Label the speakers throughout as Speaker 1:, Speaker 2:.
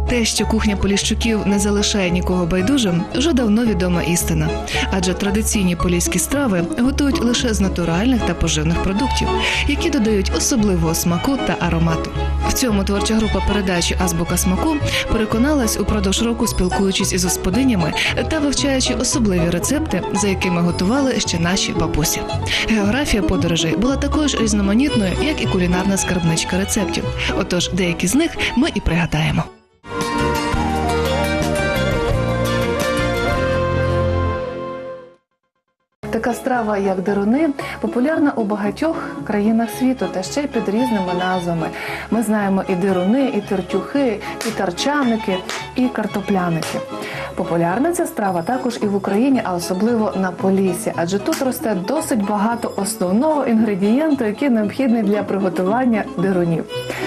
Speaker 1: Те, що кухня Поліщуків не залишає нікого байдужим, вже давно відома істина. Адже традиційні поліські страви готують лише з натуральних та поживних продуктів, які додають особливого смаку та аромату. В цьому творча група передачі «Азбука смаку» переконалась упродовж року, спілкуючись із господинями та вивчаючи особливі рецепти, за якими готували ще наші бабусі. Географія подорожей була такою ж різноманітною, як і кулінарна скарбничка рецептів. Отож, деякі з них ми і пригадаємо. Така страва, як деруни, популярна у багатьох країнах світу, та ще й під різними назвами. Ми знаємо і деруни, і тертюхи, і тарчаники, і картопляники. Популярна ця страва також і в Україні, а особливо на Поліссі, адже тут росте досить багато основного інгредієнту, який необхідний для приготування дерунів.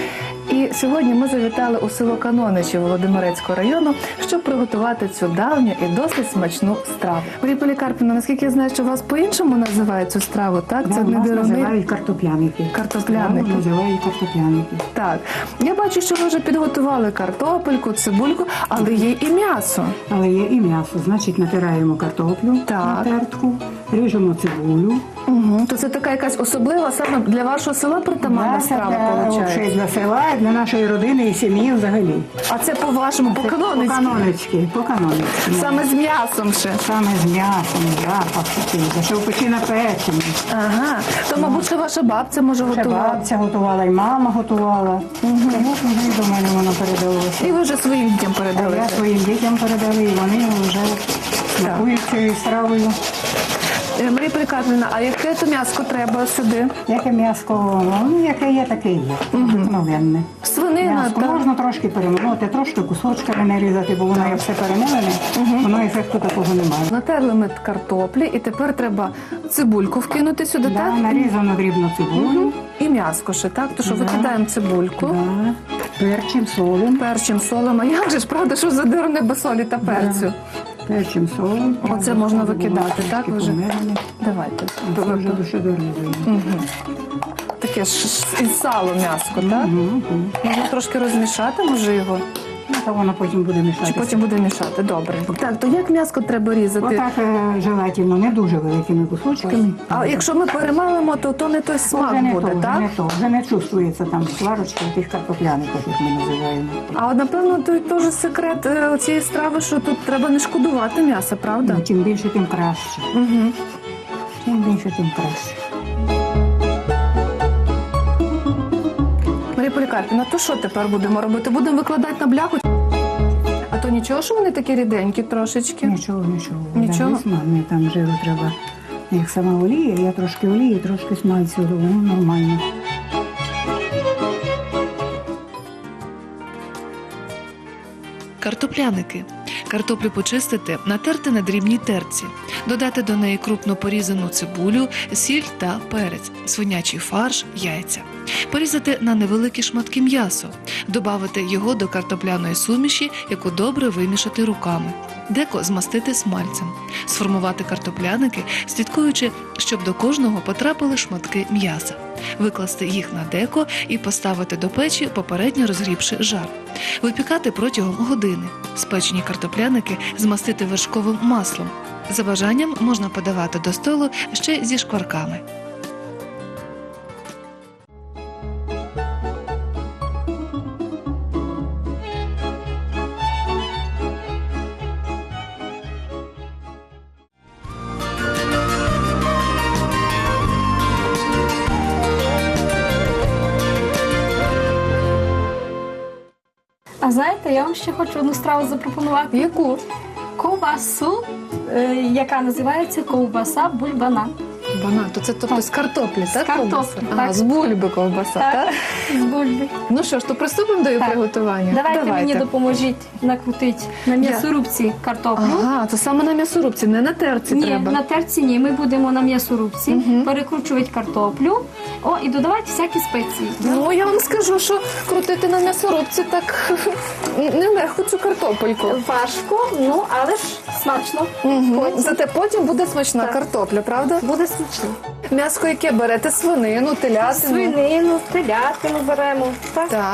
Speaker 1: І сьогодні ми завітали у село Каноничі Володимирецького району, щоб приготувати цю давню і досить смачну страву. Марія Полікарпівна, наскільки я знаю, що вас по-іншому називають цю страву, так?
Speaker 2: Да,
Speaker 1: це не
Speaker 2: нас
Speaker 1: деруни?
Speaker 2: називають картопляники.
Speaker 1: Картопляники.
Speaker 2: Страву називають картопляники.
Speaker 1: Так. Я бачу, що ви вже підготували картопельку, цибульку, але є і м'ясо.
Speaker 2: Але є і м'ясо. Значить, натираємо картоплю
Speaker 1: Так.
Speaker 2: на тертку, ріжемо цибулю.
Speaker 1: Угу. То це така якась особлива саме для вашого села притаманна страва, виходить?
Speaker 2: Для села, для нашої родини і сім'ї взагалі.
Speaker 1: А це по-вашому, по-канонецьки?
Speaker 2: По-канонецьки.
Speaker 1: Саме з м'ясом ще?
Speaker 2: Саме з м'ясом, запах такий, що в печі напечені.
Speaker 1: Ага. То, мабуть, що ваша бабця може
Speaker 2: Ще
Speaker 1: готувати?
Speaker 2: бабця готувала, і мама готувала. Тому що до мене воно передалося.
Speaker 1: І ви вже своїм дітям
Speaker 2: А
Speaker 1: передали?
Speaker 2: я своїм дітям передали, і вони вже смакують цією стравою.
Speaker 1: Марія Полікарпівна, а яке то м'яско треба сюди?
Speaker 2: Яке м'яско, ну, яке є, таке є. Обикновенне.
Speaker 1: Свинина,
Speaker 2: М'яско
Speaker 1: так?
Speaker 2: можна трошки перемолоти, трошки кусочками нарізати, бо воно є все перемелене, воно ефекту такого немає.
Speaker 1: Натерли ми картоплі, і тепер треба цибульку вкинути сюди,
Speaker 2: Да,
Speaker 1: так?
Speaker 2: нарізано дрібно цибулю,
Speaker 1: І м'яско ще, так? То що
Speaker 2: Да.
Speaker 1: викидаємо цибульку,
Speaker 2: да, перчим, солом.
Speaker 1: перчим, солом. А як же ж, правда, що за деруни без солі та перцю?
Speaker 2: Перчим, солом.
Speaker 1: Оце можна викидати, так?
Speaker 2: Трошки
Speaker 1: Ви вже?
Speaker 2: помелене.
Speaker 1: Давайте.
Speaker 2: Це вже дуже дорізуємо.
Speaker 1: Таке ж із салу м'яско, так? Можна трошки розмішати, може його?
Speaker 2: Ну, то воно потім буде
Speaker 1: Чи
Speaker 2: мішатися.
Speaker 1: потім буде мішати? Добре. Так, то як м'яско треба різати?
Speaker 2: Отак желательно, не дуже великими кусочками.
Speaker 1: А якщо ми перемалимо, то не той смак
Speaker 2: Вже не
Speaker 1: буде,
Speaker 2: то, вже
Speaker 1: так?
Speaker 2: не то. Вже не чувствується там сварочка тих картопляників, як ми називаємо.
Speaker 1: А от, напевно, той теж секрет цієї страви, що тут треба не шкодувати м'яса, правда?
Speaker 2: Чим більше, тим краще.
Speaker 1: Угу.
Speaker 2: Чим більше, тим краще.
Speaker 1: Марія Полікарпівна, то що тепер будемо робити? Будемо викладати на бляху? А то нічого, що вони такі ріденькі трошечки?
Speaker 2: Нічого.
Speaker 1: Нічого?
Speaker 2: Да, смальне, там жиру треба. Як сама олія, я трошки олії, трошки смальцю, воно нормально.
Speaker 1: Картопляники. Картоплю почистити, натерти на дрібній терці, додати до неї крупно порізану цибулю, сіль та перець, свинячий фарш, яйця. Порізати на невеликі шматки м'ясо, додати його до картопляної суміші, яку добре вимішати руками. Деко змастити смальцем, сформувати картопляники, слідкуючи, щоб до кожного потрапили шматки м'яса. Викласти їх на деко і поставити до печі, попередньо розгрівши жар. Випікати протягом години. Спечені картопляники змастити вершковим маслом. За бажанням можна подавати до столу ще зі шкварками.
Speaker 3: А знаєте, я вам ще хочу одну страву запропонувати.
Speaker 1: Яку?
Speaker 3: Ковбасу, яка називається ковбаса бульбана.
Speaker 1: Банан, то це тобто з картоплі, так?
Speaker 3: картоплі,
Speaker 1: ковбаса?
Speaker 3: так.
Speaker 1: Ага, з бульби ковбаса, так?
Speaker 3: З бульби.
Speaker 1: Ну що ж, то приступимо до її
Speaker 3: Так.
Speaker 1: приготування?
Speaker 3: Давайте мені допоможіть накрутити на м'ясорубці картоплю.
Speaker 1: Ага, то саме на м'ясорубці, не на терці
Speaker 3: Ні,
Speaker 1: треба.
Speaker 3: на терці ні. Ми будемо на м'ясорубці перекручувати картоплю. І додавати всякі спеції.
Speaker 1: Ну, я вам скажу, що крутити на м'ясорубці так нелегко цю картопельку.
Speaker 3: Важко, але ж смачно.
Speaker 1: Зате потім буде смачна
Speaker 3: Так.
Speaker 1: картопля, правда?
Speaker 3: Буде смачно.
Speaker 1: М'яско яке берете? Свинину, телятину?
Speaker 3: Свинину, телятину беремо. Так.
Speaker 1: Так.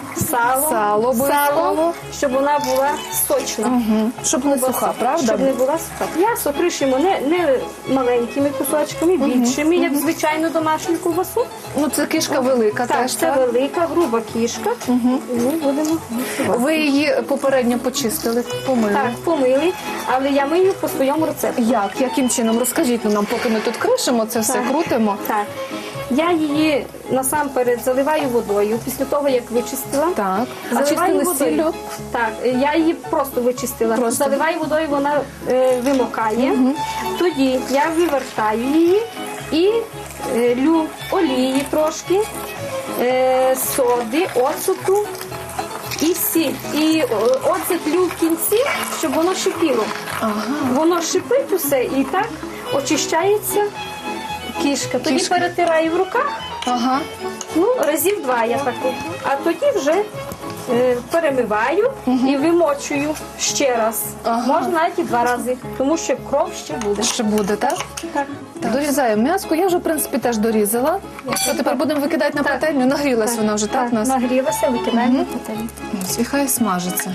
Speaker 3: сало,
Speaker 4: обов'язково.
Speaker 3: щоб вона була сочна.
Speaker 4: Угу. Щоб не суха, правда?
Speaker 3: Щоб не була суха. М'ясо кришимо не маленькими кусочками, більшими, як звичайну домашню ковбасу.
Speaker 4: Ну, це кішка велика
Speaker 3: Так,
Speaker 4: теж,
Speaker 3: це
Speaker 4: так?
Speaker 3: велика, груба кішка. І ми будемо готувати.
Speaker 4: Ви її попередньо почистили, помили.
Speaker 3: Так, помили, але я мию по своєму рецепту.
Speaker 4: Як? Яким чином? Розкажіть нам, поки ми тут кришимо, це все
Speaker 3: Так.
Speaker 4: крутимо.
Speaker 3: Так. Я її насамперед заливаю водою після того, як вичистила.
Speaker 4: Так.
Speaker 3: Заливаю
Speaker 4: Зачистили
Speaker 3: водою.
Speaker 4: сіллю?
Speaker 3: Так, я її просто вичистила.
Speaker 4: Просто.
Speaker 3: Заливаю водою, вона вимокає. Тоді я вивертаю її і лю олії трошки, соди, оцту і сіль. І оцет лю в кінці, щоб воно шипіло.
Speaker 4: Ага.
Speaker 3: Воно шипить усе і так очищається кішка. Тоді
Speaker 4: Кішка.
Speaker 3: перетираю в руках.
Speaker 4: Ага.
Speaker 3: Ну, разів 2 я так роблю. А тоді вже перемиваю і вимочую ще раз.
Speaker 4: Ага.
Speaker 3: Можна навіть і 2 рази, тому що кров ще буде.
Speaker 4: Ще буде, так?
Speaker 3: Так.
Speaker 4: Дорізаємо м'яско. Я вже, в принципі, теж дорізала. Що тепер будемо викидати на пательню? Нагрілась вона вже, так, у нас?
Speaker 3: Нагрілася, викидаємо на пательню.
Speaker 4: Ось, і хай смажиться.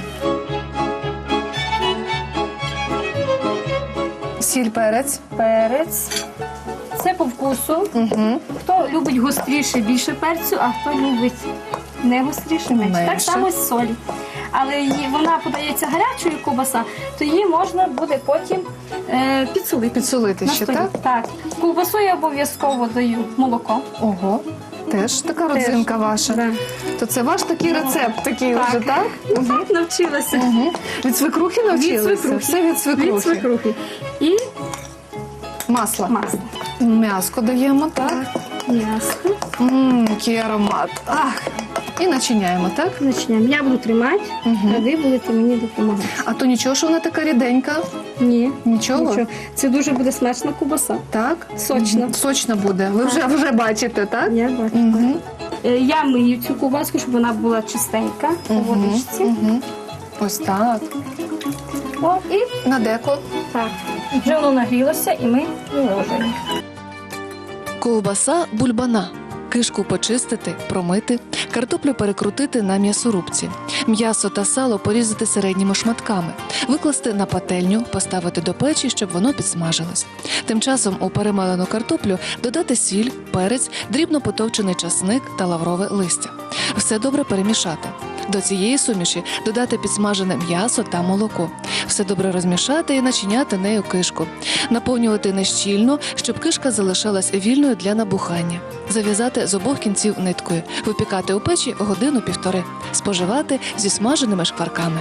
Speaker 4: Сіль, перець.
Speaker 3: Перець. Це по вкусу.
Speaker 4: Угу.
Speaker 3: Хто любить гостріше, більше перцю, а хто любить не гостріше, менше. Так
Speaker 4: Менше.
Speaker 3: само з солі. Але вона подається гарячою ковбаса, то її можна буде потім підсолити.
Speaker 4: Підсолити
Speaker 3: На
Speaker 4: ще,
Speaker 3: столі.
Speaker 4: так?
Speaker 3: Так. Ковбасу я обов'язково даю молоко.
Speaker 4: Ого. Теж така родзинка ваша.
Speaker 3: Да.
Speaker 4: То це ваш такий рецепт, такий
Speaker 3: Так.
Speaker 4: вже, так?
Speaker 3: Так, навчилася.
Speaker 4: Угу. Від свекрухи навчилися?
Speaker 3: Від свекрухи.
Speaker 4: Все від свекрухи.
Speaker 3: Від свекрухи. І
Speaker 4: Масло.
Speaker 3: масло.
Speaker 4: М'яско даємо, так?
Speaker 3: М'ясо.
Speaker 4: Який аромат. Ах. І начиняємо, так?
Speaker 3: Почнемо. Я буду тримати, а ви будете мені допомагати.
Speaker 4: А то нічого, що вона така ріденька?
Speaker 3: Ні.
Speaker 4: Нічого?
Speaker 3: Нічого. Це дуже буде смачна ковбаса.
Speaker 4: Так?
Speaker 3: Сочна.
Speaker 4: Мгм. Сочна буде. Ви вже бачите, так?
Speaker 3: Я бачу.
Speaker 4: Угу.
Speaker 3: Я мию цю ковбаску, щоб вона була чистенька у водичці.
Speaker 4: Угу. Ось так.
Speaker 3: О, і
Speaker 4: На деко.
Speaker 3: так. Вже воно нагрілося і ми виложуємо.
Speaker 1: Ковбаса бульбана. Кишку почистити, промити, картоплю перекрутити на м'ясорубці, м'ясо та сало порізати середніми шматками, викласти на пательню, поставити до печі, щоб воно підсмажилось. Тим часом у перемелену картоплю додати сіль, перець, дрібно потовчений часник та лаврове листя. Все добре перемішати. До цієї суміші додати підсмажене м'ясо та молоко. Все добре розмішати і начиняти нею кишку. Наповнювати нещільно, щоб кишка залишалась вільною для набухання. Зав'язати з обох кінців ниткою. Випікати у печі 1–1,5. Споживати зі смаженими шкварками.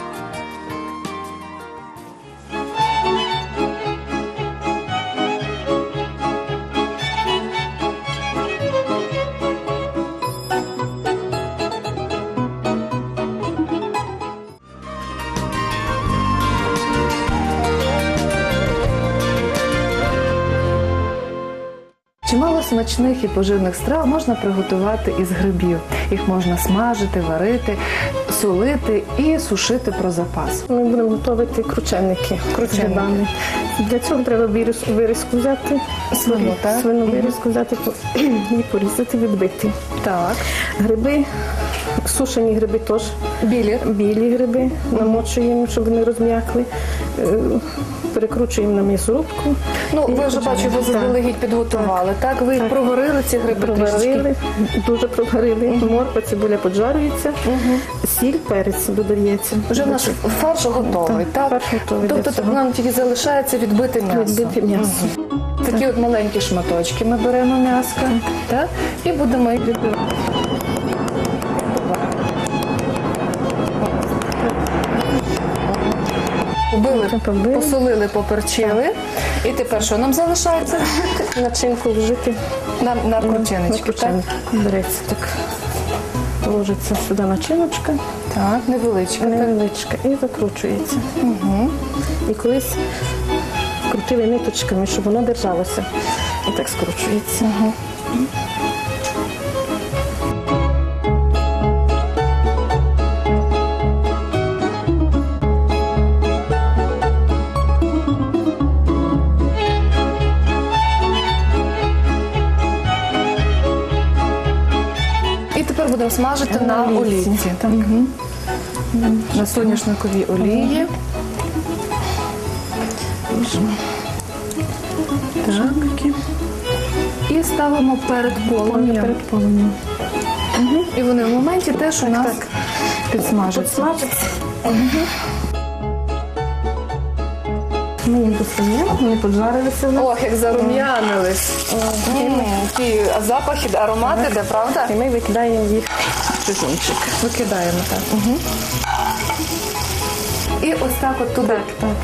Speaker 4: Чимало смачних і поживних страв можна приготувати із грибів. Їх можна смажити, варити, солити і сушити про запас.
Speaker 5: Ми будемо готувати крученики з грибами. Для цього треба вирізку взяти,
Speaker 4: Свину, так?
Speaker 5: свину вирізку взяти і порізати, відбити.
Speaker 4: Так.
Speaker 5: Гриби, сушені гриби теж, білі гриби, намочуємо, щоб вони розм'якли. Перекручуємо на м'ясорубку.
Speaker 4: Ну, ви вже бачу, ви заздалегідь підготували, так? Ви їх проварили, ці гриби трішки?
Speaker 5: Проварили, дуже проварили. Морква, цибуля поджарюється, сіль, перець додається.
Speaker 4: Вже наш фарш готовий, так?
Speaker 5: Фарш готовий для
Speaker 4: Тобто
Speaker 5: цього.
Speaker 4: нам тільки залишається відбити м'ясо.
Speaker 5: Відбити м'ясо.
Speaker 4: Такі от маленькі шматочки ми беремо м'яска, так? І будемо їх відбивати.
Speaker 5: Побили.
Speaker 4: Посолили, поперчили. І тепер що нам залишається?
Speaker 5: Начинку вжити.
Speaker 4: На крученички, так?
Speaker 5: Береться так. Ложиться сюди начиночка,
Speaker 4: Так, невеличка.
Speaker 5: невеличка, і закручується. І колись крутили ниточками, щоб воно держалося. І так скручується.
Speaker 4: І тепер будемо обсмажити на
Speaker 5: На олійці,
Speaker 4: олійці.
Speaker 5: так.
Speaker 4: Мгм. На соняшниковій олії.
Speaker 5: Так.
Speaker 4: І ставимо перед полум'ям.
Speaker 5: Перед полум'ям.
Speaker 4: І вони в моменті теж у нас
Speaker 5: так.
Speaker 4: підсмажаться.
Speaker 5: Смажиться. Ми їм достаємо, вони поджарилися.
Speaker 4: Ох, як зарум'янились. Ті запахи, аромати, де, правда?
Speaker 5: І ми викидаємо їх в чугунчик.
Speaker 4: Викидаємо так. Угу. І ось так от туди.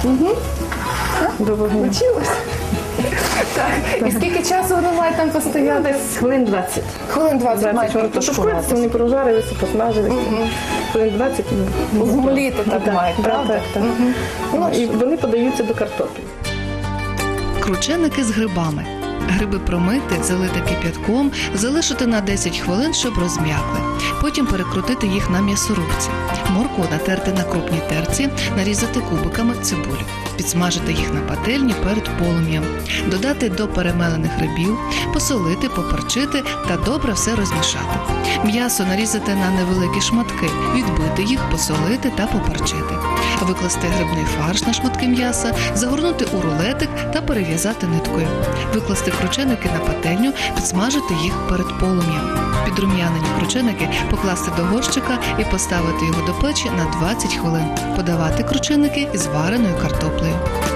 Speaker 5: До вогню.
Speaker 4: Вчилась? Так. І скільки часу воно має там постояти?
Speaker 5: Десь хвилин 20.
Speaker 4: Хвилин 20 має
Speaker 5: Вони
Speaker 4: протушкуватися.
Speaker 5: вони прожарилися, посмажилися. Хвилин 20.
Speaker 4: Змоліти так мають, правда?
Speaker 5: Так, так. Ну, і вони подаються до картоплі.
Speaker 1: Крученики з грибами. Гриби промити, залити кип'ятком, залишити на 10 хвилин, щоб розм'якли. Потім перекрутити їх на м'ясорубці. Моркву натерти на крупній терці, нарізати кубиками цибулю. Підсмажити їх на пательні перед полум'ям. Додати до перемелених грибів, посолити, поперчити та добре все розмішати. М'ясо нарізати на невеликі шматки, відбити їх, посолити та поперчити. Викласти грибний фарш на шматки м'яса, загорнути у рулетик та перев'язати ниткою. Викласти крученики на пательню, підсмажити їх перед полум'ям. Підрум'янені крученики покласти до горщика і поставити його до печі на 20 хвилин. Подавати крученики із вареною картоплею.